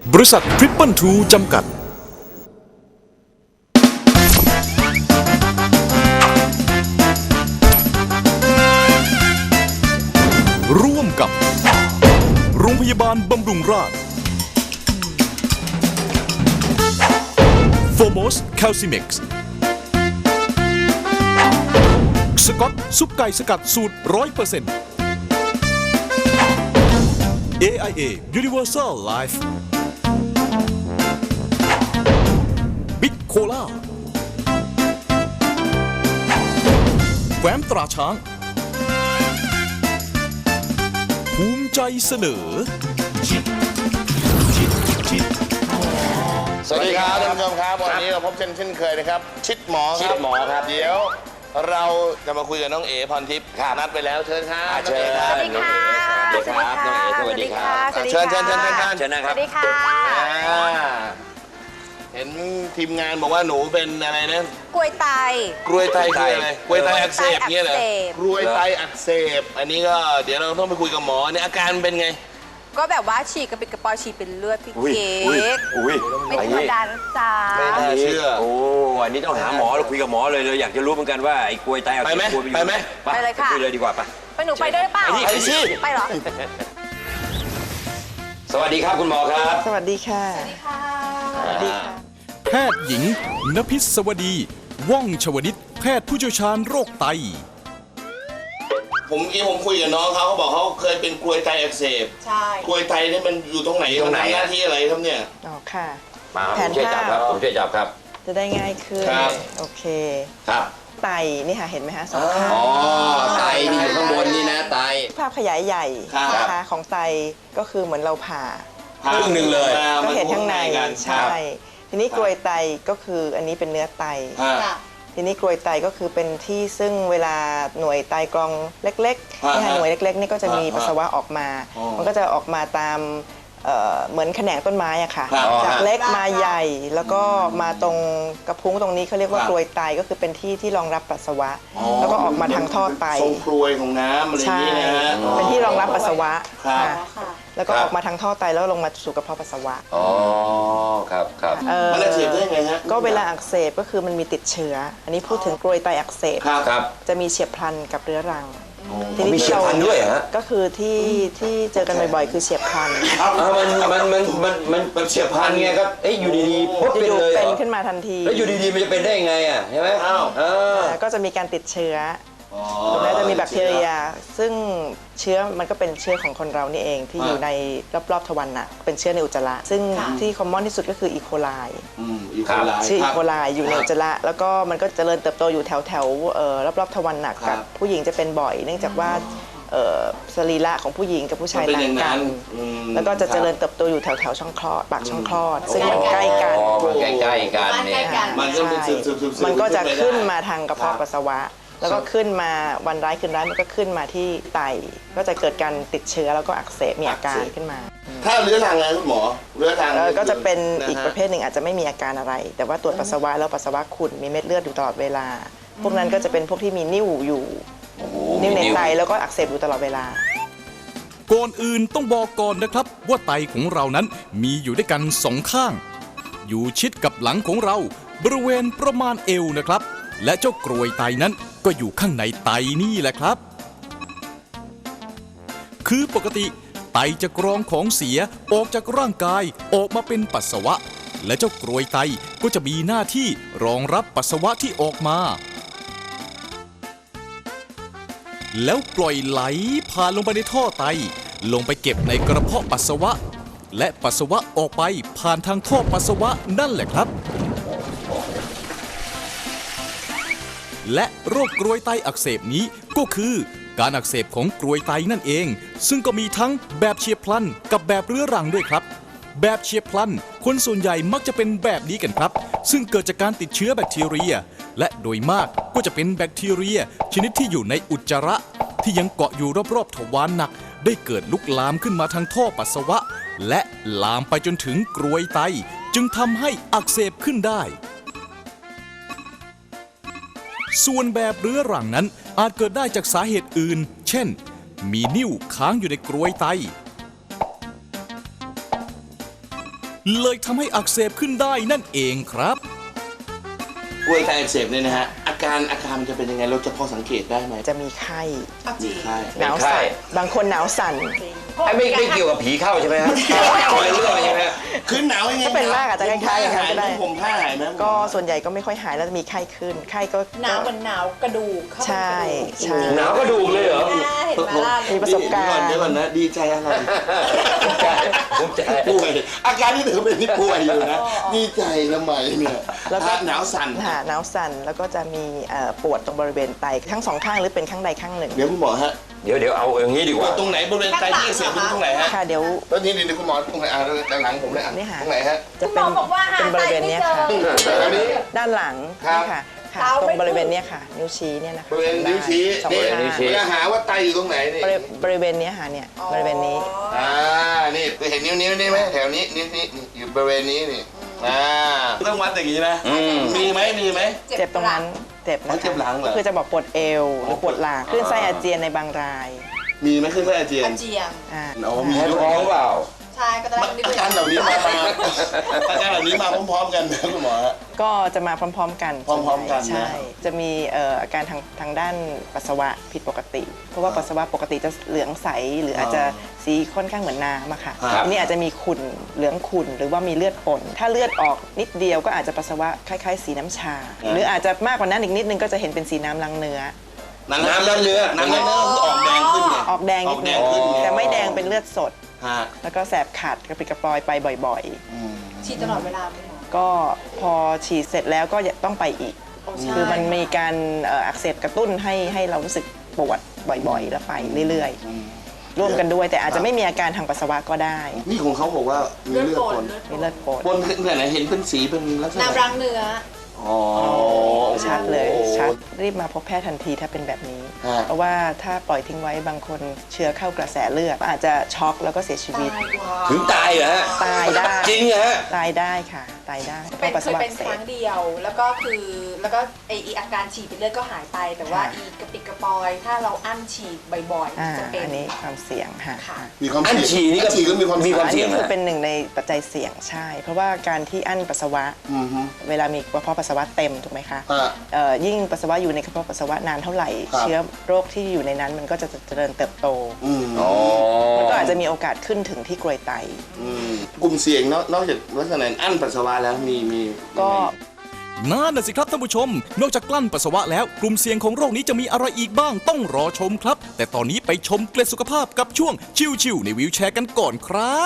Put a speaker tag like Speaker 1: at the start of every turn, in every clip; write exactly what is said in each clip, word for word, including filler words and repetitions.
Speaker 1: บริษัททริปเปิลทูจำกัดร่วมกับโรงพยาบาลบำรุงราษฎร์โฟโมสแคลซิเม็กซ์สกอตซุปไก่สกัดสูตร ร้อยเปอร์เซ็นต์ เอ ไอ เอ Universal Life บิ๊กโคล่าแฟ้มตราช้างภูมิใจเสนอ
Speaker 2: สวัสดีครับท่านผู้ชมครับวันนี้เราพบกันเช่นเคยนะครับชิดหมอครับ
Speaker 3: ชิดหมอครับ
Speaker 2: เดี๋ยวเราจะมาคุยกับน้องเอ๋พรทิพย์นัดไปแล้วเชิญครับ
Speaker 3: เชิญครับ
Speaker 4: สวัสดีค่ะ
Speaker 3: สวัสดีครับน้องเอ๋สวัสดีครับ
Speaker 2: เชิญเชิญเชิญเชิญ
Speaker 3: เชิญนะค
Speaker 4: ส
Speaker 3: รับ
Speaker 4: วัสดีค่ะ
Speaker 2: อ่าเห็นทีมงานบอกว่าหนูเป็นอะไรนะ
Speaker 4: กล้วยไต
Speaker 2: กรวยไตคืออะไรกรวยไตอักเสบเงี้ยเหรอก
Speaker 4: ล้
Speaker 2: กรวยไตอักเสบอันนี้ก็เดี๋ยวเราต้องไปคุยกับหมอเนี่ยอาการเป็นไง
Speaker 4: ก็แบบว่าฉีกกระปิดกระปอยฉีกเป็นเลือดพี่
Speaker 3: อุ้ย
Speaker 4: เค้
Speaker 3: อุ้ย
Speaker 4: ก
Speaker 3: อุ้ย
Speaker 4: ไม่ธรรมดานะจ๊ะ
Speaker 2: ไม่น่าเชื่อ
Speaker 3: โอ้อันนี้ต้องหาหมอเราคุยกับหมอเลยเลยอยากจะรู้เหมือนกันว่าไอ้กลวยไตอักเส
Speaker 2: ไปไหม
Speaker 3: บกลวยอยู่
Speaker 2: ไปไหม
Speaker 4: ไปเลยค่ะ
Speaker 3: คุยเลยดีกว่าไป
Speaker 4: ไปหนูไปด้วยหรือเปล่า
Speaker 3: ไปดิไปสิ
Speaker 4: ไปเหรอ
Speaker 3: สวัสดีครับคุณหมอครับ
Speaker 5: สวัสดีค่ะ
Speaker 4: สวัสดีค่ะ
Speaker 1: แพทย์หญิงณพิศวดี ว่องชวนิตแพทย์ผู้เชี่ยวชาญโรคไต
Speaker 2: ผมเมื่อกี้ผมคุยกับน้องเขาเขาบอกเขาเคยเป็นกรวยไตอักเสบ
Speaker 4: ใช่
Speaker 2: กรวยไตเนี่ยมันอยู่ตรงไหน
Speaker 3: ตรงไหน
Speaker 2: มัทำหน้าที่อะไรครับเนี่ย
Speaker 5: อ๋อค่ะ
Speaker 3: มาครับ
Speaker 5: แผ
Speaker 3: ผม
Speaker 5: น
Speaker 3: ช่วยจับครับ
Speaker 5: ภาพ
Speaker 3: ผมช่วยจับครับ
Speaker 5: จะได้ง่ายขึ้น
Speaker 2: ครับ
Speaker 5: โอเค
Speaker 3: ครับ
Speaker 5: ไตนี่ค่ะเห็นไหมคะสองข้าง
Speaker 3: อ๋อไตนี่อยู่ข้างบนนี่นะไต
Speaker 5: ภาพขยายใหญ่
Speaker 2: ครับ
Speaker 5: นะคะของไตก็คือเหมือนเราผ่า
Speaker 3: ครึ่งหนึ่งเลย
Speaker 5: ก็เห็นข้างใน
Speaker 2: กัน
Speaker 5: ใช่ ทีนี้กรวยไตก็คืออันนี้เป็นเนื้อไต
Speaker 2: ครับ
Speaker 5: ทีนี้กรวยไตก็คือเป็นที่ซึ่งเวลาหน่วยไตกรองเล็กๆ
Speaker 2: ฮะ
Speaker 5: นี่ค่ะหน่วยเล็กๆนี่ก็จะมี
Speaker 2: ฮะ
Speaker 5: ปัสสาวะออกมา
Speaker 2: อ๋อ
Speaker 5: มันก็จะออกมาตามเอ่อเหมือนแขนงต้นไม้อะค่ะ
Speaker 2: ครับ
Speaker 5: จากเล็กมาใหญ่ แล้วก็มาตรงกระพุ้งตรงนี้เขาเรียกว่า
Speaker 2: ครับ
Speaker 5: กรวยไตก็คือเป็นที่ที่รองรับปัสสาวะ แล้วก็ออกมาทางท่อไต
Speaker 2: ทรงกรวยของน้ำอะไรอย่าง
Speaker 5: ใช่
Speaker 2: นี้นะ
Speaker 5: เป็นที่รองรับปัสสาวะ
Speaker 2: ครับ
Speaker 5: ค่ะแล้วก็ออกมาทางท่อไตแล้วลงมาสู่กระเพาะปัสสาวะ
Speaker 3: อ๋อครับครับ
Speaker 5: เอ่อ
Speaker 2: มันอักเสบได้ไงฮะ
Speaker 5: ก็เวลาอักเสบก็คือมันมีติดเชื้อ อันนี้พูดถึงกรวยไตอักเสบ
Speaker 2: ครับ
Speaker 3: ครับ
Speaker 5: จะมีเฉียบพลันกับเรื้อรัง
Speaker 3: มีเฉียบพลันด้วยเหรอฮะ
Speaker 5: ก็คือที่ที่เจอกันบ่อยๆ คือเฉียบพลัน
Speaker 3: อ่ามันมันมันมันมันมันเฉียบพลันไงครับเอ้ยอยู่ดีๆปุ๊บเป็น
Speaker 5: อยู่
Speaker 3: เลย
Speaker 5: ๆ
Speaker 3: เหร
Speaker 5: เป็น
Speaker 3: อ
Speaker 5: ขึ้นมาทันที
Speaker 3: แล้วอยู่ดีๆมันจะเป็นได้ยังไงอ่ะใช่ไหม
Speaker 2: อ้าว
Speaker 3: เออ
Speaker 5: อ่าก็จะมีการติดเชื้อ
Speaker 2: อ๋อ
Speaker 5: ตรงนั้นจะมีแบคทีเรีย ซึ่งเชื้อมันก็เป็นเชื้อของคนเรานี่เองที่อยู่ในรอบๆทวารหนักเป็นเชื้อในอุจจาระ ซึ่งที่คอมมอนที่สุดก็คืออีโคไล
Speaker 2: อืมอีโคไล
Speaker 5: ชื่อ
Speaker 2: ค
Speaker 5: อี
Speaker 2: รับ
Speaker 5: โคไลอยู่ในอุจจาระแล้วก็มันก็เจริญเติบโตอยู่แถวแถวๆเอ่อรอบๆทวารหนัก
Speaker 2: ครั
Speaker 5: กับ บผู้หญิงจะเป็นบ่อย เนื่องจากว่าเอ่อสรีระของผู้หญิงกับผู้ชาย
Speaker 2: มันเป็น
Speaker 5: ต่า
Speaker 2: อง ย่าง
Speaker 5: กั
Speaker 2: นั้น นอืม
Speaker 5: แล้วก็จะเจริญเติบโตอยู่แถวแถวๆช่องคลอดปากช่องคลอด ซึ่งมันใกล้กัน
Speaker 3: อ๋อมันใกล้ๆกันเนี่ย
Speaker 2: มันก็เป็นซึมซึมซึมซึม
Speaker 5: มันก็จะ
Speaker 2: ขึ้
Speaker 5: ขึ้
Speaker 2: น
Speaker 5: น
Speaker 2: ไปได้
Speaker 5: มาทางกระเพาะ
Speaker 2: ครับ
Speaker 5: ปัสสาวะ แล้วก็ขึ้นมาวันร้ายคืนร้ายมันก็ขึ้นมาที่ไต ก็จะเกิดการติดเชื้อแล้วก็อักเสบมีอาการขึ้นมา
Speaker 2: ถ้าเรื้อรังอะไรคุณหมอเรื้อรัง
Speaker 5: เอ่อก็จะเป็น
Speaker 2: ฮ
Speaker 5: อีกประเภทหนึ่งอาจจะไม่มีอาการอะไร แต่ว่าตรวจปัสสาวะแล้วปัสสาวะขุ่นมีเม็ดเลือดอยู่ตลอดเวลา พวกนั้นก็จะเป็นพวกที่มีนิ่วอยู่นิ่วในไตแล้วก็อักเสบอยู่ตลอดเวลา
Speaker 1: ก่อนอื่นต้องบอกก่อนนะครับว่าไตของเรานั้นมีอยู่ด้วยกันสองข้าง อยู่ชิดกับหลังของเราบริเวณประมาณเอวนะครับ และเจ้ากรวยไตนั้นก็อยู่ข้างในไตนี่แหละครับ คือปกติไตจะกรองของเสียออกจากร่างกายออกมาเป็นปัสสาวะ และเจ้ากรวยไตก็จะมีหน้าที่รองรับปัสสาวะที่ออกมา แล้วปล่อยไหลผ่านลงไปในท่อไต ลงไปเก็บในกระเพาะปัสสาวะ และปัสสาวะออกไปผ่านทางท่อปัสสาวะนั่นแหละครับ และโรคกรวยไตอักเสบนี้ก็คือการอักเสบของกรวยไตนั่นเอง ซึ่งก็มีทั้งแบบเฉียบพลันกับแบบเรื้อรังด้วยครับ แบบเฉียบพลันคนส่วนใหญ่มักจะเป็นแบบนี้กันครับ ซึ่งเกิดจากการติดเชื้อแบคทีเรีย และโดยมากก็จะเป็นแบคทีเรีย ชนิดที่อยู่ในอุจจาระ ที่ยังเกาะอยู่รอบๆทวารหนัก ได้เกิดลุกลามขึ้นมาทางท่อปัสสาวะ และลามไปจนถึงกรวยไต จึงทำให้อักเสบขึ้นได้ ส่วนแบบเรื้อรังนั้นอาจเกิดได้จากสาเหตุอื่น เช่น มีนิ่วค้างอยู่ในกรวยไตเลยทำให้อักเสบขึ้นได้นั่นเองครับ
Speaker 2: กล้วยไตอักเสบเนี่ยนะฮะอาการอาการมันจะเป็นยังไงเราจะพอสังเกตได้ไหม
Speaker 5: จะมีไข้
Speaker 2: มีไข้
Speaker 5: หนาวสั่นบางคนหนาวสั่น
Speaker 3: ไอ้ไม่ไม่เกี่ยวกับผีเข้าใช่ไหมฮะคนละเรื่องใช่ไหมฮะ
Speaker 2: คือหนาวยังไง
Speaker 5: ถ้าเป็นมากอาจจะคล้ายๆอย่างนั้นก็ได้
Speaker 2: ผมผ้าหายไหม
Speaker 5: ก็ส่วนใหญ่ก็ไม่ค่อยหายแล้วจะมีไข้ขึ้นไข้ก็
Speaker 4: หนาวเหมือนหนาวกระดูกเข้าไป
Speaker 5: ใช่ใช่
Speaker 3: หนาวก็ดูกเลยเหรอ
Speaker 4: ใช่เห็นไหมล่ะ
Speaker 5: มีประสบการณ์
Speaker 2: เดี๋ยวก่อนนะดีใจอะไร
Speaker 3: ภูมิใจภูมิใจ
Speaker 2: ป่วยอาการที่ถือเป็นที่ป่วยอยู่นะดีใจทำไมเนี่ย
Speaker 5: แล้วก็
Speaker 2: หนาวสั่น
Speaker 5: ค่ะหนาวสั่นแล้วก็จะมีเอ่อปวดตรงบริเวณไตทั้งสองข้างหรือเป็นข้างใดข้างหนึ่ง
Speaker 2: เดี๋ยวคุณหมอฮะ
Speaker 3: เดี๋ยวเดี๋ยวเอาอย่างนี้ดีกว่า
Speaker 2: ตรงไหนบริเวณไตที่อักเสียบเป็นตรงไหนฮะ
Speaker 5: ค่ะเดี๋ยว
Speaker 2: ตอนนี้เดี๋ยวคุณหมอตรงไหนอ่ะด้านหลังผมเลยอ่ะ
Speaker 5: นี่ค่ะ
Speaker 2: ตรงไหนฮะ
Speaker 5: จะ
Speaker 4: คุณหม
Speaker 5: เป็
Speaker 4: อน บอกว่าหา
Speaker 5: เป็นบ
Speaker 4: ไต
Speaker 5: ริเวณ
Speaker 4: ไม่
Speaker 5: เนี้ย
Speaker 4: เจอ
Speaker 5: ค่ะ
Speaker 2: อันนี้
Speaker 5: ด้านหลัง
Speaker 2: ครับ
Speaker 5: นี่ค่ะค่ะ
Speaker 4: เท้า
Speaker 5: ตร
Speaker 4: ไม่
Speaker 5: งบริเวณเนี้ยค่ะ นิ้วชี้เนี่ยนะคะ
Speaker 2: บริเวณนิ้วชี้
Speaker 5: สอง
Speaker 2: นี่
Speaker 5: ข้าง
Speaker 3: นิ้วชี้
Speaker 2: เวลาหาว่าไตอยู่ตรงไหนนี่
Speaker 5: บริบริเวณเนี้ยค่ะเนี่ยบริเวณนี้
Speaker 2: อ่านี่เห็นนิ้วนิ้วนี่ไหมแถวนี้นิ้วนี้นี่อยู่บริเวณนี้นี่อ่าต้องวัดอย่างนี้นะ
Speaker 3: อืม
Speaker 2: มีไหมมีไหม
Speaker 5: เจ็บตรงนั้นเจ็บ
Speaker 2: อ๋อ
Speaker 5: นะ
Speaker 2: เจ็
Speaker 5: คะ
Speaker 2: บหลังเหรอ
Speaker 5: ก็คือจะบอกปวดเอวหรือปวดหลังคลื่นไส้อาเจียนในบางราย
Speaker 2: มีไหมขึ้นไส้อาเจียน
Speaker 4: อาเจียน
Speaker 5: อ่า
Speaker 2: อ๋อมี
Speaker 3: แพ้
Speaker 2: ด้วย
Speaker 3: ท้องเปล่า
Speaker 4: ใช่ก็จะได้
Speaker 2: อาการเหล่านี้มามาอาการเหล่านี้มาพร้อมๆกันนะคุณหมอฮะ
Speaker 5: ก็จะมาพร้อมๆกัน
Speaker 2: พร้อมๆกันนะ
Speaker 5: ใช่จะมีเอ่ออาการทางทางด้านปัสสาวะผิดปกติ เพราะว่าปัสสาวะปกติจะเหลืองใสหรืออาจจะสีค่อนข้างเหมือนน้ำอะค่ะ
Speaker 2: ครับ
Speaker 5: อันนี้อาจจะมีขุ่นเหลืองขุ่นหรือว่ามีเลือดปนถ้าเลือดออกนิดเดียวก็อาจจะปัสสาวะคล้ายๆ สีน้ำชา หรืออาจจะมากกว่านั้นอีกนิดนึงก็จะเห็นเป็นสีน้ำลังเนื้อ
Speaker 2: น้ำน้ำเนื้อน้ำเนื้อคือออกแดงขึ้นไง
Speaker 5: ออกแดง
Speaker 2: อ
Speaker 5: นิ
Speaker 2: อ
Speaker 5: ด
Speaker 2: กแด
Speaker 5: นึ
Speaker 2: ง
Speaker 5: ง
Speaker 2: ขึ้นไง
Speaker 5: แต่ไม่แดงเป็นเลือดสด
Speaker 2: ฮะ
Speaker 5: แล้วก็แสบขัดกระปิดกระปอยไปบ่อย
Speaker 4: ฉีดตลอดเวลาไหมหมอ
Speaker 5: ๆ ก็พอฉีดเสร็จแล้วก็ต้องไปอีก
Speaker 4: โอ้ใช่
Speaker 5: คือมันมีการเอ่ออักเสบกระตุ้นให้ให้เรารู้สึกปวดบ่อยๆ แล้วไปเรื่อยๆ ร่วมกันด้วยแต่อาจจะไม่มีอาการทางปัสสาวะก็ได้
Speaker 2: นี่ของเขาบอกว่ามี
Speaker 4: เลือด
Speaker 2: เลือด
Speaker 4: ป
Speaker 2: ป
Speaker 4: น
Speaker 2: น
Speaker 5: มีเลือดปน
Speaker 2: ปนที่ไหนเห็นเป็นสีเป็นลักษณะ
Speaker 4: น้ำรังเนื้อ
Speaker 2: อ๋อ
Speaker 5: ชัดเลยชัดรีบมาพบแพทย์ทันทีถ้าเป็นแบบนี้
Speaker 2: ฮะ
Speaker 5: เพราะว่าถ้าปล่อยทิ้งไว้บางคนเชื้อเข้ากระแสเลือดอาจจะช็อกแล้วก็เสียชีวิต
Speaker 4: ตายกว่า
Speaker 3: ถึงตายเหรอฮะ
Speaker 5: ตายได้
Speaker 3: จริงเหรอฮะ
Speaker 5: ตายได้ค่ะ ตายได้เพ
Speaker 4: เป็น
Speaker 5: ราะปัส
Speaker 4: เค
Speaker 5: สา
Speaker 4: ยวเป็น
Speaker 5: ะอักเส
Speaker 4: ครั้
Speaker 5: บ
Speaker 4: งเดียว แล้วก็คือแล้วก็ไออีอาการฉีดเป็นเลือดก็หายไป แต่ว่า
Speaker 5: ค่ะ
Speaker 4: อีกระปิดกระปอย ถ้าเราอั้นฉีดบ่อย
Speaker 5: อ่า
Speaker 4: ๆ จะเป็น
Speaker 5: อันนี้ความเสี่ยงค่ะ
Speaker 4: ค่ะ
Speaker 2: มีความ
Speaker 3: อันฉี่นี่ก็
Speaker 2: อัฉี่ก็มีความ
Speaker 3: มีความ
Speaker 5: อัน
Speaker 3: เสี่ย
Speaker 5: นี้
Speaker 3: ง
Speaker 5: คือเป็นหนึ่งในปัจจัยเสี่ยงใช่ เพราะว่าการที่อั้นปัสสาวะ
Speaker 2: อือฮึ
Speaker 5: เวลามีกระเพาะปัสสาวะเต็มถูกไหมคะ
Speaker 2: อ่า
Speaker 5: เอ่อยิ่งปัสสาวะอยู่ในกระเพาะปัสสาวะนานเท่าไหร่
Speaker 2: ครับ
Speaker 5: เชื้อโรคที่อยู่ในนั้นมันก็จะเจริญเติบโต
Speaker 2: อืม
Speaker 3: อ๋อ
Speaker 5: มันก็อาจจะมีโอกาสขึ้นถึงที่กรวยไต
Speaker 2: อืมกลุ่มเสี่ยงนอกนอกจากลักษณะอั้นปัสสาวะแล้วมีมี
Speaker 5: ก็
Speaker 1: นั่นน่ะสิครับท่านผู้ชม นอกจากกลั้นปัสสาวะแล้วกลุ่มเสี่ยงของโรคนี้จะมีอะไรอีกบ้างต้องรอชมครับ แต่ตอนนี้ไปชมเกล็ดสุขภาพกับช่วงชิวๆในวิวแชร์กันก่อนครับ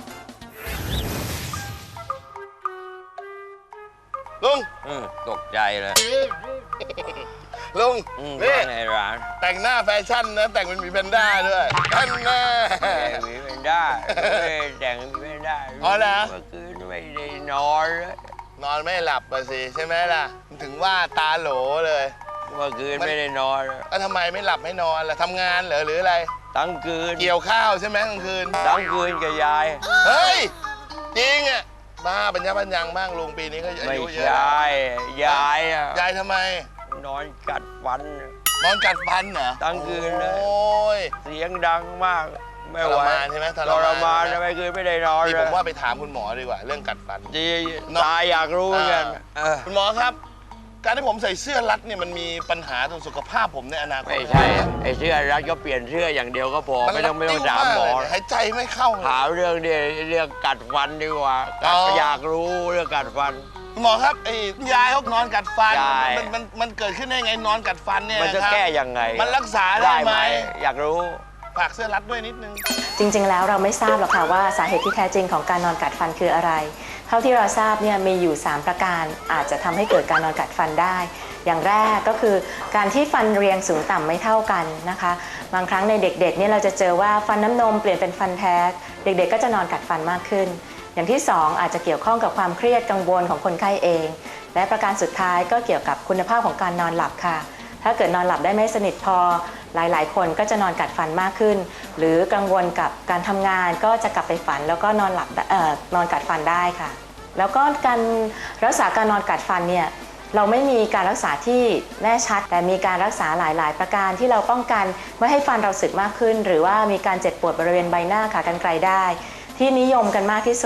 Speaker 2: ลุง
Speaker 3: อืมตกใจเลย
Speaker 2: ลุง
Speaker 3: อืม
Speaker 2: นี่
Speaker 3: ว่าไงร้าน
Speaker 2: แต่งหน้าแฟชั่นนะแต่งเป็นหมีแพนด้าด้วยอันแน่
Speaker 3: แต่งมีไม่ได้ไม่แต่งมีไม่ได้
Speaker 2: อ๋อเหรอ
Speaker 3: เมื่อคืนไม่ได้นอนเลย
Speaker 2: นอนไม่หลับอะสิใช่ไหมล่ะ ถึงว่าตาโหลเลย
Speaker 3: เมื่อคืนไม่ได้นอนเลย
Speaker 2: แล้วทำไมไม่หลับไม่นอนล่ะทำงานเหรอหรืออะไร
Speaker 3: ทั้งคืน
Speaker 2: เกี่ยวข้าวใช่ไหมกลางคืน
Speaker 3: ทั้งคืนกับยาย
Speaker 2: เฮ้ย จริงอ่ะบ้าปัญญาปัญญังบ้างลุงปีนี้ก็อา
Speaker 3: ไม่
Speaker 2: ยุเยอะ
Speaker 3: ใช่ยายอะ
Speaker 2: ยายทำไม
Speaker 3: นอนกัดฟัน
Speaker 2: นอนกัดฟันเหรอ
Speaker 3: ทั้งคืนเลย
Speaker 2: โอ้ย
Speaker 3: เสียงดังมาก ไม่ไหว
Speaker 2: ทรมานใช่ไหมท
Speaker 3: ท
Speaker 2: ร
Speaker 3: ร
Speaker 2: มาม
Speaker 3: าน
Speaker 2: นใช่
Speaker 3: ทำ
Speaker 2: ไหม
Speaker 3: ไมคืนไม่ได้นอน
Speaker 2: นี่
Speaker 3: เล
Speaker 2: ผ
Speaker 3: ย
Speaker 2: มว่าไปถามคุณหมอดีกว่า เรื่องกัดฟัน
Speaker 3: จีตายอยากรู้เหมือนกันเออ
Speaker 2: คุณหมอครับ การที่ผมใส่เสื้อรัดเนี่ยมันมีปัญหาต่อสุขภาพผมในอนาคต
Speaker 3: ไม่ใช่ไอ้เสื้อรัดก็เปลี่ยนเสื้ออย่างเดียวก็พอไม่ต้องไม่ต้องถามหมอ
Speaker 2: หายใจไม่เข้าเลย
Speaker 3: ถามเรื่องเดียวเรื่องกัดฟันดีกว่า
Speaker 2: อ๋อ
Speaker 3: อยากรู้เรื่องกัดฟัน
Speaker 2: คุณหมอครับไอ้ยายเขานอนกัดฟัน
Speaker 3: ยาย
Speaker 2: มันมันมันเกิดขึ้นได้ไงนอนกัดฟันเนี่ย
Speaker 3: มันจะ
Speaker 2: ครับ
Speaker 3: แก้ยังไง
Speaker 2: มันรักษาได้ไหม
Speaker 3: อยากรู้
Speaker 2: ฝากเสื้อรัดด้วยนิดนึง
Speaker 6: จริงๆ แล้วเราไม่ทราบหรอกค่ะว่าสาเหตุที่แท้จริงของการนอนกัดฟันคืออะไร เท่าที่เราทราบเนี่ยมีอยู่ สาม ประการอาจจะทำให้เกิดการนอนกัดฟันได้ อย่างแรกก็คือการที่ฟันเรียงสูงต่ำไม่เท่ากันนะคะ บางครั้งในเด็กๆเนี่ยเราจะเจอว่าฟันน้ำนมเปลี่ยนเป็นฟันแท้ เด็กๆ ก็จะนอนกัดฟันมากขึ้น อย่างที่สองอาจจะเกี่ยวข้องกับความเครียดกังวลของคนไข้เอง และประการสุดท้ายก็เกี่ยวกับคุณภาพของการนอนหลับค่ะ ถ้าเกิดนอนหลับได้ไม่สนิทพอหลายๆ คนก็จะนอนกัดฟันมากขึ้น หรือกังวลกับการทำงานก็จะกลับไปฝันแล้วก็นอนหลับเอ่อนอนกัดฟันได้ค่ะ แล้วก็การรักษาการนอนกัดฟันเนี่ยเราไม่มีการรักษาที่แน่ชัดแต่มีการรักษาหลายๆ ประการที่เราป้องกันไม่ให้ฟันเราสึกมากขึ้น หรือว่ามีการเจ็บปวดบริเวณใบหน้าขากรรไกรได้ ที่นิยมกันมากที่สุด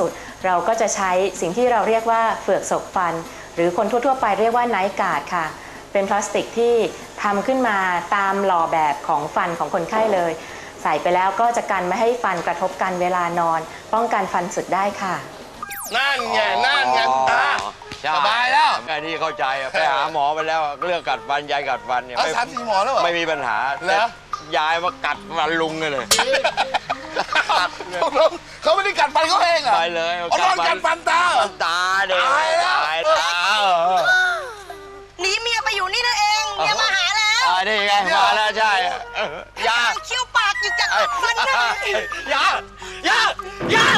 Speaker 6: เราก็จะใช้สิ่งที่เราเรียกว่าเฟือกศกฟัน หรือคนทั่วๆไปเรียกว่าไนท์การ์ดค่ะเป็นพลาสติกที่ทำขึ้นมาตามหล่อแบบของฟันของคนไข้เลย ใส่ไปแล้วก็จะกันไม่ให้ฟันกระทบกันเวลานอน ป้องกันฟันสึกได้ค่ะ
Speaker 2: นั่นไงนั่นไงอ่ะ
Speaker 3: ใช่
Speaker 2: สบายแล้ว
Speaker 3: ไอ้นี่เข้าใจอะไปหาหมอไปแล้วเรื่องกัดฟันยายกัดฟันเนี่ย
Speaker 2: เอา
Speaker 3: ไม่
Speaker 2: สามสี่หมอแล้วเหรอ
Speaker 3: ไม่มีปัญหา
Speaker 2: เหรอ
Speaker 3: ยายมากัดฟันลุงเลย
Speaker 2: เขาไม่ได้กัดฟันเขาเองเหรอ
Speaker 3: ไปเลย
Speaker 2: เอานอนกัดฟันตาเหรอ
Speaker 3: ตาเด็ก
Speaker 2: ตายแล้ว
Speaker 3: ตายตาเออ
Speaker 7: หนีเมียไปอยู่นี่นั่นเองเมียมาหาแล้ว
Speaker 3: อ่านี่ไงมาแล้วใช่เออยา
Speaker 7: เคี้ยวปากอยู่จาก
Speaker 3: เอ้ย
Speaker 7: ฟันนะ
Speaker 3: ยายายา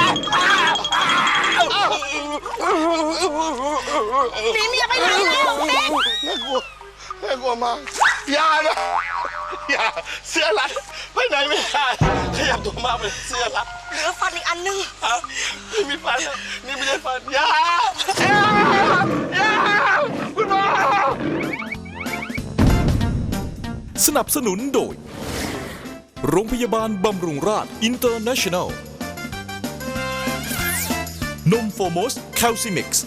Speaker 7: หนีเมียไปไหนแล้วเด็ก
Speaker 2: น่ากลัวน่ากลัวมากอย่านะอย่าเสื้อรัดไปไหนไม่ได้ขยับตัวมากเลยเสื้อรัด
Speaker 7: เหลือฟันอีกอันนึง
Speaker 2: อ่ะนี่มีฟันนะนี่ไม่ใช่ฟันอย่าอย่าอย่าคุณหมอ
Speaker 1: สนับสนุนโดย โรงพยาบาลบำรุงราษอินเตอร์เนชั่นแนล นมโฟมอสแคลซิมิกซ์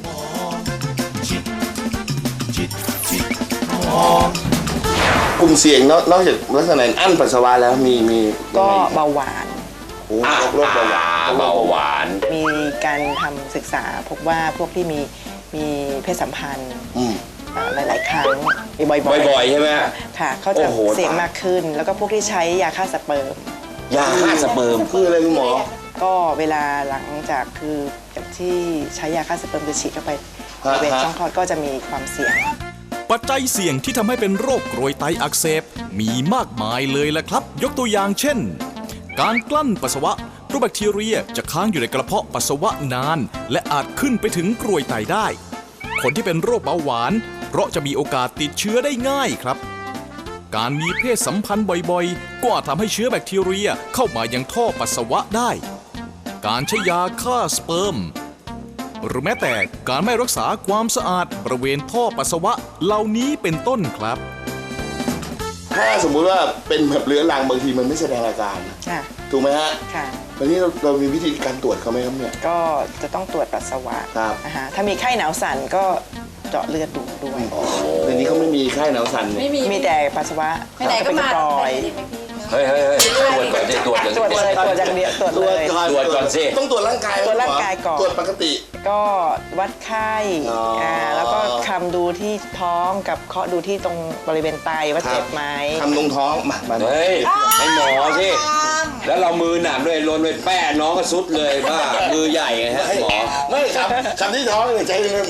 Speaker 2: กลุ่มเสี่ยงนอกนอกจากลักษณะอั้นปัสสาวะแล้วมีมี
Speaker 5: ก็เบาหวาน
Speaker 2: โอ้โรคโรคเบาหวาน
Speaker 3: เบาหวาน
Speaker 5: มีการทำศึกษาพบว่าพวกที่มีมีเพศสัมพันธ์
Speaker 2: อืม
Speaker 5: อ่าหลาย ๆ ครั้งมีบ่อยๆ
Speaker 3: บ่อยๆใช่ไหม
Speaker 5: ค่ะเขาจะ
Speaker 3: โอ้โห
Speaker 5: เสี่ยงมากขึ้น แล้วก็พวกที่ใช้ยาฆ่าสเปิร์ม
Speaker 3: ยาฆ่าสเปิร์ม
Speaker 2: คืออะไรคุณหมอ
Speaker 5: ก็เวลาหลังจากคือจากที่ใช้ยาฆ่าสเปิร์มจะฉีดเข้าไปบ
Speaker 2: ฮะ
Speaker 5: ริเวณ
Speaker 2: ฮะ
Speaker 5: ช่องคลอดก็จะมีความเสี่ยง
Speaker 1: ปัจจัยเสี่ยงที่ทำให้เป็นโรคกรวยไตอักเสบมีมากมายเลยละครับ ยกตัวอย่างเช่น การกลั้นปัสสาวะเพราะแบคทีเรียจะค้างอยู่ในกระเพาะปัสสาวะนาน และอาจขึ้นไปถึงกรวยไตได้ คนที่เป็นโรคเบาหวาน เพราะจะมีโอกาสติดเชื้อได้ง่ายครับ การมีเพศสัมพันธ์บ่อยๆ ก็อาจทำให้เชื้อแบคทีเรียเข้ามายังท่อปัสสาวะได้ การใช้ยาฆ่าสเปิร์ม หรือแม้แต่การไม่รักษาความสะอาดบริเวณท่อปัสสาวะเหล่านี้เป็นต้นครับ
Speaker 2: ถ้าสมมุติว่าเป็นแบบเรื้อรังบางทีมันไม่แสดงอาการ
Speaker 5: ค่ะ
Speaker 2: ถูกไหมฮะ
Speaker 5: ค่ะ
Speaker 2: วันนี้เราเรามีวิธีการตรวจเขาไหมครับเนี่ย
Speaker 5: ก็จะต้องตรวจปัสสาวะ
Speaker 2: ครับ
Speaker 5: นะคะถ้ามีไข้หนาวสั่นก็เจาะเลือดดูด้วย
Speaker 2: เดี๋ยวนี้เขาไม่มีไข้หนาวสั่นเนี่ย
Speaker 4: ไม่มี
Speaker 5: มีแต่ปัสสาวะ
Speaker 4: ไปไหนก็มา
Speaker 5: ปล่อย
Speaker 4: ไปไหนพี่
Speaker 3: เฮ้ยเฮ้ยเฮ้ยตรวจก่อนสิตรวจก่อน
Speaker 5: ตรวจเลยตรวจอย่างเดียวตรวจเลย
Speaker 3: ตรวจก่อนสิ
Speaker 2: ต้องตรวจร่างกายไหม
Speaker 5: ตรวจร่างกายก่อน
Speaker 2: ตรวจปกติ
Speaker 5: ก็วัดไข้
Speaker 2: อ๋ออ่
Speaker 5: าแล้วก็คำดูที่ท้องกับเคาะดูที่ตรงบริเวณไตว่าเจ็บไหม
Speaker 2: ทำตรงท้องมามา
Speaker 3: เฮ้ยให้หมอสิแล้วเรามือหนักด้วยลนไปแป้น้องก็สุดเลยบ้ามือใหญ่ไงฮะหมอ
Speaker 2: ไม่ครับคำที่ท้องเนี่ยใจเย็น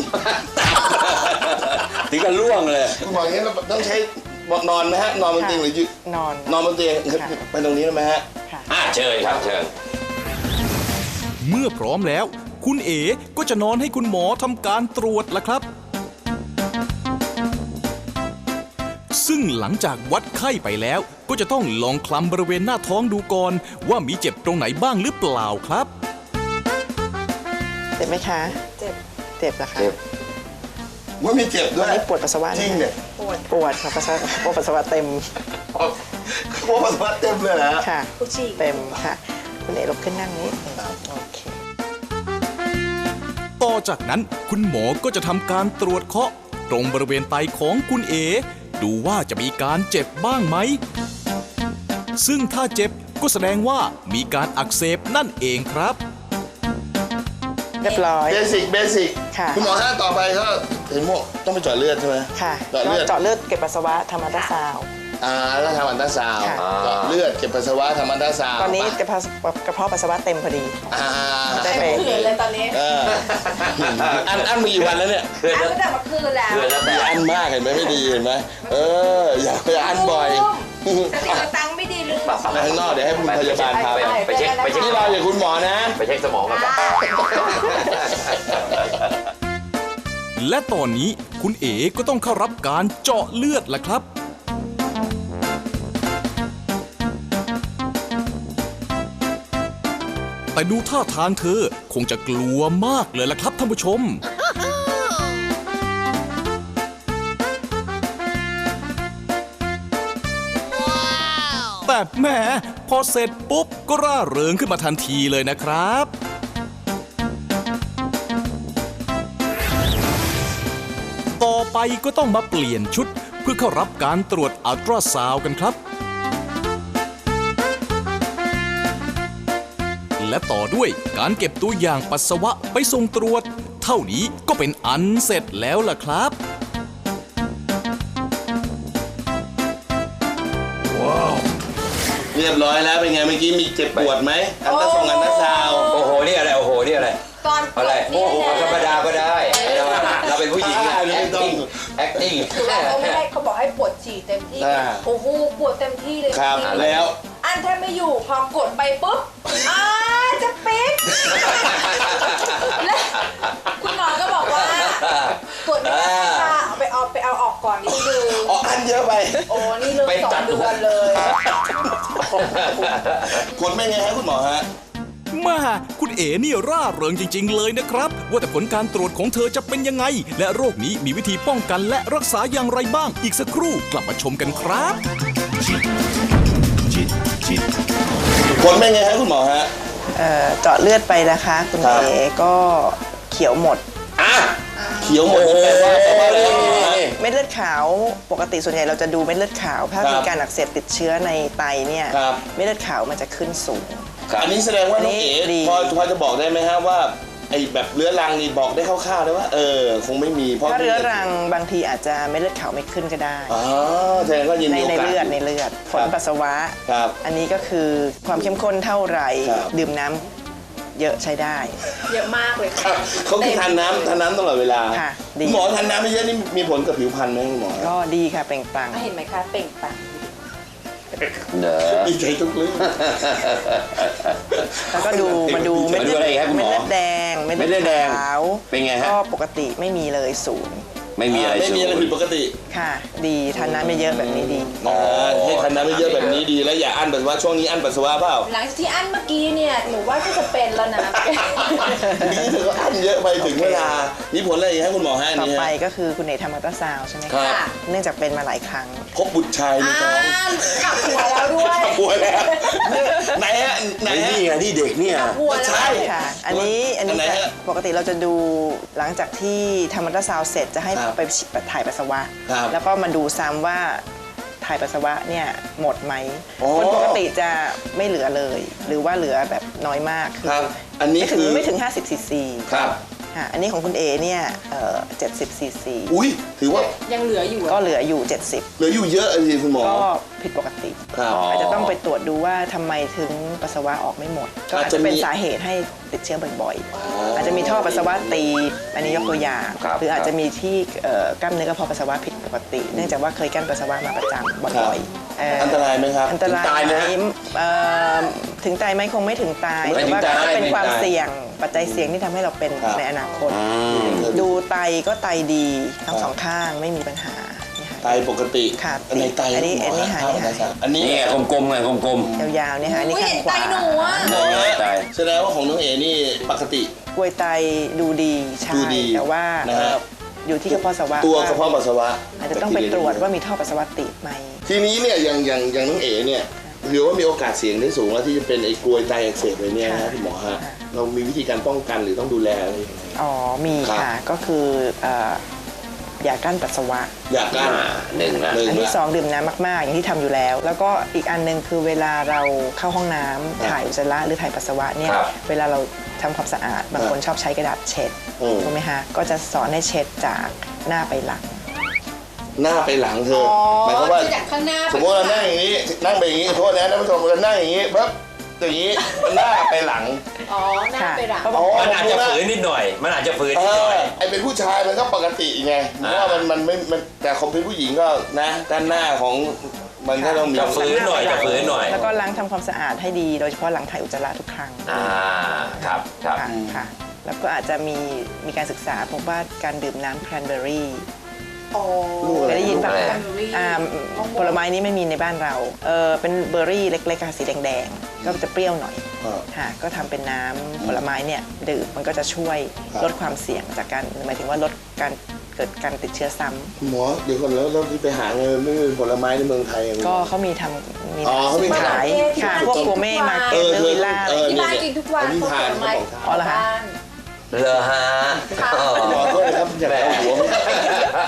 Speaker 3: ถึงกับล่วงเลย
Speaker 2: คุณหมออย่างนี้เราต้องใช้นอนไหมฮะนอนบนเตียงหรือยืน
Speaker 5: นอน
Speaker 2: นอนบนเตียง
Speaker 5: ค่ะ
Speaker 2: ไปตรงนี้ได้ไหมฮะ
Speaker 5: ค่ะ
Speaker 3: อ่ะเชิญครับเชิญ
Speaker 1: เมื่อพร้อมแล้ว คุณเอ๋ก็จะนอนให้คุณหมอทำการตรวจละครับ ซึ่งหลังจากวัดไข้ไปแล้ว ก็จะต้องลองคลำบริเวณหน้าท้องดูก่อน ว่ามีเจ็บตรงไหนบ้างหรือเปล่าครับ
Speaker 5: เจ็บไหมคะ
Speaker 4: เจ็บ
Speaker 5: เจ็บเหรอคะ
Speaker 3: เจ็บ
Speaker 2: ว่ามีเจ็บด้
Speaker 5: วั
Speaker 2: วน ย
Speaker 5: นี้ปวดปัสสาวะ
Speaker 2: จริงเนี่ย
Speaker 5: ปวดปวดค่ะปัสสาวะปวดปัสสาวะเต็ม
Speaker 2: โอ้ปัสสาวะเต็มเลยนะ
Speaker 5: ค่ะ
Speaker 4: ผู้ฉีก
Speaker 5: เต็มค่ะ คุณเอ๋ลุกขึ้นนั่งนี้โอเค
Speaker 1: ต่อจากนั้นคุณหมอก็จะทำการตรวจเคาะ ตรงบริเวณไตของคุณเอ๋ดูว่าจะมีการเจ็บบ้างไหม ซึ่งถ้าเจ็บก็แสดงว่ามีการอักเสบนั่นเองครับ
Speaker 5: เรียบร้อย
Speaker 2: เบสิกเบสิก
Speaker 5: ค่ะ
Speaker 2: คุณหมอท่านต่อไปก็เห็นหมวกต้องไปเจาะเลือดใช่ไหม
Speaker 5: ค่ะ
Speaker 2: เจาะเลือด
Speaker 5: เจาะเลือดเก็บปัสสาวะทำอัลตราซาวด์
Speaker 2: อ่าแล้วทำอันตราซาวด์
Speaker 5: ค่ะ
Speaker 2: เจาะเลือดเก็บปัสสาวะทำอันตราซาวด์
Speaker 5: ตอนนี้กระเพาะกระเพาะปัสสาวะเต็มพอดี
Speaker 2: อ่า
Speaker 5: ได้ไป
Speaker 4: คืนเลยตอนนี้
Speaker 2: เอออันอันมีกี่วันแล้วเนี่ย
Speaker 4: อันตั้งแต่เมื่อคืนแล้ว
Speaker 2: มีอันมากเห็นไหมไม่ดีเห็นไหมเอออย่าไปอันบ่อย
Speaker 4: สติตังค์ไม่ดีลืม
Speaker 2: ไปข้างนอกเดี๋ยวให้คุณพยาบาลพาไป
Speaker 3: ไปเช็คไปเช็ค
Speaker 2: นี่เราอย่าคุณหมอนะ
Speaker 3: ไปเช็คสมองกัน
Speaker 1: และตอนนี้คุณเอ๋ก็ต้องเข้ารับการเจาะเลือดล่ะครับ แต่ดูท่าทางเธอคงจะกลัวมากเลยล่ะครับท่านผู้ชม แต่แหมพอเสร็จปุ๊บก็ร่าเริงขึ้นมาทันทีเลยนะครับไปก็ต้องมาเปลี่ยนชุด เพื่อเข้ารับการตรวจอัลตราซาวด์กันครับ และต่อด้วยการเก็บตัวอย่างปัสสาวะไปส่งตรวจ เท่านี้ก็เป็นอันเสร็จแล้วล่ะครับ
Speaker 2: เรียบร้อยแล้วเป็นไงเมื่อกี้มีเจ็บปวดไหมอันตราส่งอันตราซาวด์
Speaker 3: โอ้โหนี่อะไรโอ้โหนี่อะไร
Speaker 4: ตอน
Speaker 3: อะไร
Speaker 4: นี่
Speaker 3: โอ้โหธรรมดาก็ได้เราเราเป็นผู้หญิงอะ acting acting
Speaker 4: เขาไม่ให้เขาบอกให้ปวดฉี่เต็มที่ โอ้โหปวดเต็มที่เลย
Speaker 2: ครับ
Speaker 4: จงๆ
Speaker 2: แล้ว
Speaker 4: อันแทบไม่อยู่พอกดไปปุ๊บอ้าจะปิดและคุณหมอก็บอกว่าตรวจไม่ได้ค่ะเอาไปเอาไปเอาออกก่อนนิดนึง
Speaker 2: อ๋ออันเยอะไป
Speaker 4: โอ้นี่เลยสองเดือนเลย
Speaker 2: ผลเป็นไงฮะคุณหมอฮะ
Speaker 1: มาคุณเอ๋นี่ร่าเริงจริง ๆ เลยนะครับ ว่าแต่ผลการตรวจของเธอจะเป็นยังไง และโรคนี้มีวิธีป้องกันและรักษาอย่างไรบ้าง อีกสักครู่กลับมาชมกันครับ
Speaker 2: ผลเป็นไงฮะคุณหมอฮะ
Speaker 5: เอ่อเจาะเลือดไปนะคะคุณ
Speaker 2: ครับ
Speaker 5: เอก็เขียวหมด
Speaker 2: อ่ะเขียวหมดนี่แปลว่าแปลว่าอะไรฮะ
Speaker 5: เม็ดเลือดขาวปกติส่วนใหญ่เราจะดูเม็ดเลือดขาว ถ้า
Speaker 2: ครับ
Speaker 5: มีการอักเสบติดเชื้อในไตเนี่ย
Speaker 2: ครับ
Speaker 5: เม็ดเลือดขาวมันจะขึ้นสูง
Speaker 2: อันนี้แสดงว่าน้องเอ๋
Speaker 5: อันนี้ดี
Speaker 2: พอพอจะบอกได้ไหมฮะว่าไอ้แบบเรื้อรังนี่บอกได้คร่าวๆได้ว่าเออคงไม่มีเพราะ
Speaker 5: ถ้าเรื้อรังบางทีอาจจะเม็ดเลือดขาวไม่ขึ้นก็ได้
Speaker 2: อ๋อแสดงว่ายัง
Speaker 5: ใน
Speaker 2: มีโอ
Speaker 5: ใน
Speaker 2: กาส
Speaker 5: เลือดในเลือดผลปัสสาวะ
Speaker 2: ครับ
Speaker 5: อันนี้ก็คือความเข้มข้นเท่าไหร่
Speaker 2: ครับ
Speaker 5: ดื่มน้ำเยอะใช้ได้
Speaker 4: เยอะมากเลย
Speaker 2: ค
Speaker 4: ค่ะ
Speaker 2: รับเขาคือทานน้ำทานน้ำตลอดเวลา
Speaker 5: ค่ะดี
Speaker 2: คุณหมอทานน้ำไม่เยอะนี่มีผลกับผิวพรรณไหมคุณหมอ
Speaker 5: ก็ดีค่ะเปล่งปลั่ง
Speaker 4: เห็นไหมคะเปล่งปลั่ง
Speaker 3: เนอะ
Speaker 2: ดีใจทุกเรื่อง
Speaker 5: แล้วก็ดูมาดู
Speaker 2: มาดูอะไรอีกครับคุณหมอ
Speaker 5: เม็ดเลือดแดง
Speaker 3: เม็ดเลือดแดง
Speaker 5: ขาว
Speaker 3: เป็นไงฮะ
Speaker 5: ก็ปกติไม่มีเลยศูนย์
Speaker 3: ไม่มีอะไร
Speaker 2: ไม่มีอะไร
Speaker 3: สูง
Speaker 2: ผิดปกติ
Speaker 5: ค่ะ ดีทานน้ำไม่เยอะแบบนี้ดี
Speaker 2: อ่าให้ทานน้ำไม่เยอะแบบนี้ดีแล้วอย่าอั้นปัสสาวะช่วงนี้อั้นปัสสาวะเปล่า
Speaker 4: หลังจากที่อันเมื่อกี้เนี่ยหนูว่าก็จะเป็นแล้วนะ
Speaker 2: นี่เธอก็อั้นเยอะไปถึงเวลามีผลอะไรอีกให้คุณหมอให้
Speaker 5: ต่อ
Speaker 2: นี่
Speaker 5: ไป
Speaker 2: ฮะ
Speaker 5: ก็คือคุณเอทำอัลตราซาวด์ใช่ไหม
Speaker 2: ครั
Speaker 5: คะ
Speaker 2: บ
Speaker 5: เนื่องจากเป็นมาหลายครั้ง
Speaker 2: พบบุตรชายใน
Speaker 4: อ่า
Speaker 2: ท้อง
Speaker 4: กลับหัวแล้วด้วย
Speaker 2: ป่วยแล้วไหนฮะไหน
Speaker 3: ไอ้
Speaker 2: ฮะ
Speaker 3: นี่ไงนี่เด็กเนี่ย
Speaker 4: กลับหัวแล้ว
Speaker 2: ใช่
Speaker 5: ค่ะ อันนี้อันนี้
Speaker 2: อันไหนฮะ
Speaker 5: ปกติเราจะดูหลังจากที่ทำอัลตราซาวด์เสร็จจะให้
Speaker 2: ครับ
Speaker 5: ไปถ่ายปัสสาวะ
Speaker 2: ครับ
Speaker 5: แล้วก็มาดูซ้ำว่าถ่ายปัสสาวะเนี่ยหมดไหม
Speaker 2: อ๋อ
Speaker 5: คนปกติจะไม่เหลือเลย หรือว่าเหลือแบบน้อยมาก
Speaker 2: ครับอันนี้
Speaker 5: ไม่ถึง
Speaker 2: คือ
Speaker 5: ไม่ถึง ห้าสิบซีซี
Speaker 2: ครับ
Speaker 5: ค่ะอันนี้ของคุณเอเนี่ยเอ่อเจ็ดสิบซีซี
Speaker 2: อุ้ยถือว่า
Speaker 4: ยังเหลืออยู่
Speaker 5: ก็
Speaker 4: อะ
Speaker 5: เหลืออยู่ เจ็ดสิบ
Speaker 2: เหลืออยู่เยอะเลยคุณหมอ
Speaker 5: ก็ผิดปกติ
Speaker 2: ครับ
Speaker 5: อาจจะต้องไปตรวจดูว่าทำไมถึงปัสสาวะออกไม่หมด ก็อาจจะเป็นสาเหตุให้ติดเชื้อบ่อยๆ อาจจะมีท่อปัสสาวะตีบอันนี้ยกตัวอย่าง
Speaker 3: ครับ
Speaker 5: หรืออาจจะมีที่เอ่อกล้ามเนื้อกระเพาะปัสสาวะผิดปกติ เนื่องจากว่าเคยกั้นปัสสาวะมาประจำบ่อยๆเ
Speaker 2: อันตรายไหมครับ
Speaker 5: อันตราย
Speaker 3: ถึงตายไหมฮะ
Speaker 5: เอ่อถึงตายไหมคงไม่ถึงตาย
Speaker 3: ไม่
Speaker 5: แต่
Speaker 3: ถึง
Speaker 5: ว่า
Speaker 3: ตาย
Speaker 5: ก็เป็น
Speaker 3: ไม่ถึง
Speaker 5: ความ
Speaker 3: ตาย
Speaker 5: เสี่ยงปัจจัยเสี่ยงที่ทำให้เราเป็น
Speaker 2: ครับ
Speaker 5: ในอนาคต
Speaker 3: อืม
Speaker 5: ดูไตก็ไตดีทั้งสองข้างไม่มีปัญหานี่ค่ะ
Speaker 2: ไตปกติ
Speaker 5: ค่ะ
Speaker 2: อันไหนไต
Speaker 5: อันนี้
Speaker 2: คุณหม
Speaker 5: อันนี้หาย
Speaker 2: ครับ
Speaker 5: หาย
Speaker 2: อันนี้
Speaker 3: นี่ไงกลมๆไงกลม
Speaker 5: ยาวๆเนี่ยค่ะอันนี่
Speaker 4: อุ้ย
Speaker 5: ข้าง
Speaker 4: เห็น
Speaker 5: ข
Speaker 4: ไต
Speaker 5: วา
Speaker 4: หนูอะ
Speaker 2: หมอ
Speaker 3: ไต
Speaker 2: แสดงว่าของน้องเอนี่ปกติ
Speaker 5: กล้วยไตดูดีใช่
Speaker 2: ดูดี
Speaker 5: แต่ว่า
Speaker 2: นะฮะ
Speaker 5: เอ่ออยู่ที่กระเพาะปัสสาวะ
Speaker 2: ตัวกระเพาะปัสสาวะ
Speaker 5: อาจจะต้องไปตรวจว่ามีท่อปัสสาวะติดไหม
Speaker 2: ทีนี้เนี่ยอย่างอย่างอย่างน้องเอเนี่ยหรือว่ามีโอกาสเสี่ยงได้สูงแล้วที่จะเป็นไอ้กรวยไตอักเสบเลยเนี่ยนะคุณหมอฮะเรามีวิธีการป้องกันหรือต้องดูแลอะไรยังไง
Speaker 5: อ๋อมี
Speaker 2: ครับ
Speaker 5: ค่ะก็คือเอ่ออย่ากั้นปัสสาวะ
Speaker 2: อยาก
Speaker 3: ๆ
Speaker 2: กัน
Speaker 3: อ่าหนึ่งนะ
Speaker 2: หนึ่ง
Speaker 5: อันที่
Speaker 2: ละ
Speaker 5: สองดื่มน้ำมากๆ อย่างที่ทำอยู่แล้ว แล้วก็อีกอันหนึงคือเวลาเราเข้าห้องน้ำ
Speaker 2: ครับ
Speaker 5: ถ่ายอุจจาระหรือถ่ายปัสสาวะเนี่ย
Speaker 3: ครับ
Speaker 5: เวลาเราทำความสะอาดบางคนชอบใช้กระดาษเช็ด
Speaker 2: อืม
Speaker 5: ถูกไหมคะก็จะสอนให้เช็ดจากหน้าไปหลัง
Speaker 2: หน้าไปหลังเธอ
Speaker 4: อ๋อ
Speaker 2: หมายความว่า
Speaker 4: จากข้างหน้า
Speaker 2: สมมติเรานั่งอย่างนี้นั่งไปอย่างนี้โทษนะท่านผู้ชมเรานั่งอย่างนี้ปั๊บอย่างนี้หน้าไปหลัง
Speaker 4: อ๋อหน้าไปหลัง
Speaker 5: ค่ะ
Speaker 2: อ๋อ
Speaker 3: มันอาจจะฝืนนิดหน่อย มันอาจจะฝืน
Speaker 2: เอ
Speaker 3: นิดหน่
Speaker 2: อ
Speaker 3: อย
Speaker 2: ไอเป็นผู้ชายมันก็ปกติไงเพ
Speaker 3: อ่า
Speaker 2: ราะว่ามันมันไม่มันแต่ของเป็นผู้หญิงก็นะด้านหน้าของมันก็ต้องมี
Speaker 3: จะฝืนหน่อยจะฝืนหน่อย
Speaker 5: แล้วก็ล้างทำความสะอาดให้ดี โดยเฉพาะหลังถ่ายอุจจาระทุกครั้ง
Speaker 3: อ่าครับครับ
Speaker 5: ค่ะค่ะ แล้วก็อาจจะมีมีการศึกษาพบว่าการดื่มน้ำแครนเบอร์รี่
Speaker 4: อ๋อ
Speaker 5: เคยได้ยินป่ะ
Speaker 3: อะไร
Speaker 5: คะอ่าผลไม้นี้ไม่มีในบ้านเราเออเป็นเบอร์รี่เล็กๆค่ะสีแดงๆ ก็จะเปรี้ยวหน่อย
Speaker 2: อ่า
Speaker 5: ค่ะก็ทำเป็นน้ำผลไม้เนี่ยดื่มมันก็จะช่วย
Speaker 2: ครับ
Speaker 5: ลดความเสี่ยงจากการหมายถึงว่าลดการเกิดการติดเชื้อซ้ำ
Speaker 2: คุณหมอเดี๋ยวก่อนแล้วเราที่ไปหาเงินไม่มีผลไม้ในเมืองไทยอะคุณหม
Speaker 5: ก็
Speaker 2: อ
Speaker 5: เขามีทำมี
Speaker 2: อ๋อเขามี
Speaker 5: ขาย
Speaker 2: ขาย
Speaker 5: ค่ะพวกโกเม่มา
Speaker 2: เอ
Speaker 5: เก็ต
Speaker 2: อ
Speaker 5: เนอร์วิลล่า
Speaker 2: เออ
Speaker 4: ที่บ้านกินทุกวัน
Speaker 2: อันนี้ทาน
Speaker 4: ผลไม้
Speaker 2: เขาบอกทาน
Speaker 5: อ๋อเหรอคะ
Speaker 4: บ้าน
Speaker 3: เลอฮะ
Speaker 4: ค่ะ
Speaker 3: อ๋อ
Speaker 2: หมอโทษนะครับอยากเอาหัว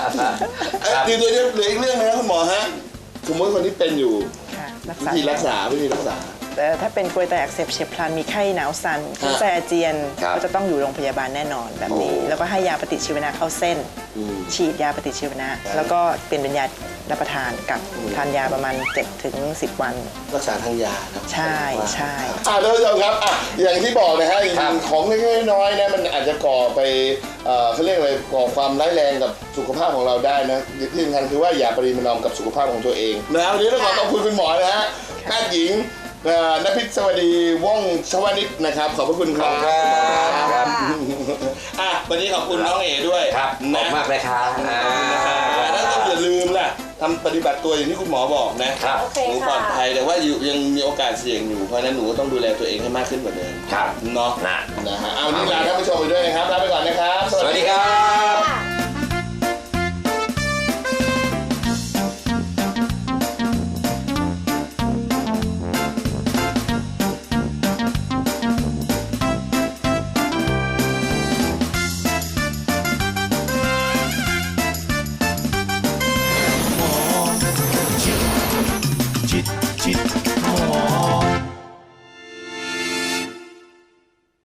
Speaker 2: เอ้ยเดี๋ยวเดี๋ยวเหลืออีกเรื่องนะคุณหมอฮะสมมติคนที่เป็นอยู่
Speaker 5: ค่ะรัก
Speaker 2: วิ
Speaker 5: ษา
Speaker 2: ธีรักษาวิธีรักษา
Speaker 5: แต่ถ้าเป็นกรวยไตอักเสบเฉียบพลันมีไข้หนาวสั่นขึ้นไส้อาเจียน
Speaker 3: ครับ
Speaker 5: ก็จะต้องอยู่โรงพยาบาลแน่นอนแบบนี้ แล้วก็ให้ยาปฏิชีวนะเข้าเส้น
Speaker 2: อืม
Speaker 5: ฉีดยาปฏิชีวนะ แล้วก็เปลี่ยนเป็นยารับประทานกับทานยาประมาณเจ็ดถึงสิบวัน
Speaker 2: รักษาทางยานะ
Speaker 5: ใช่ใช่
Speaker 2: อ่าท่านผู้ชมครับอ่ะอย่างที่บอกนะฮะจ
Speaker 3: ครั
Speaker 2: ริ
Speaker 3: บ
Speaker 2: งๆของเล็กๆน้อยๆนะมันอาจจะก่อไปเอ่อเขาเรียกอะไรก่อความร้ายแรงกับสุขภาพของเราได้นะที่สำคัญคือว่าอย่าปริมาณกับสุขภาพของตัวเองนะวันนี้ต้องขอขอบคุณคุณหมอนะฮะแพทย์หญิงเอ่อนภิษสวัสดีว่องชวนิชนะครับขอบพระคุณครับ
Speaker 3: ครับ
Speaker 2: อ่ะวันนี้ขอบคุณน้องเอ๋ด้วย
Speaker 3: ครับขอบ
Speaker 2: นะ
Speaker 3: คุณมากเลยครับอ่า
Speaker 2: แล้วก็อย่าลืมล่ะทำปฏิบัติตัวอย่างที่คุณหมอบอกนะครับ
Speaker 4: โอเค
Speaker 2: หนูปลอดภัยแต่ว่าอยู่ยังมีโอกาสเสี่ยงอยู่เพราะฉะนั้นหนูก็ต้องดูแลตัวเองให้มากขึ้นกว่าเดิม
Speaker 3: ครับ
Speaker 2: เนาะ
Speaker 3: นะ
Speaker 2: นะฮะเอาวันนี้ลาท่านผู้ชมไปด้วยนะครับลาไปก่อน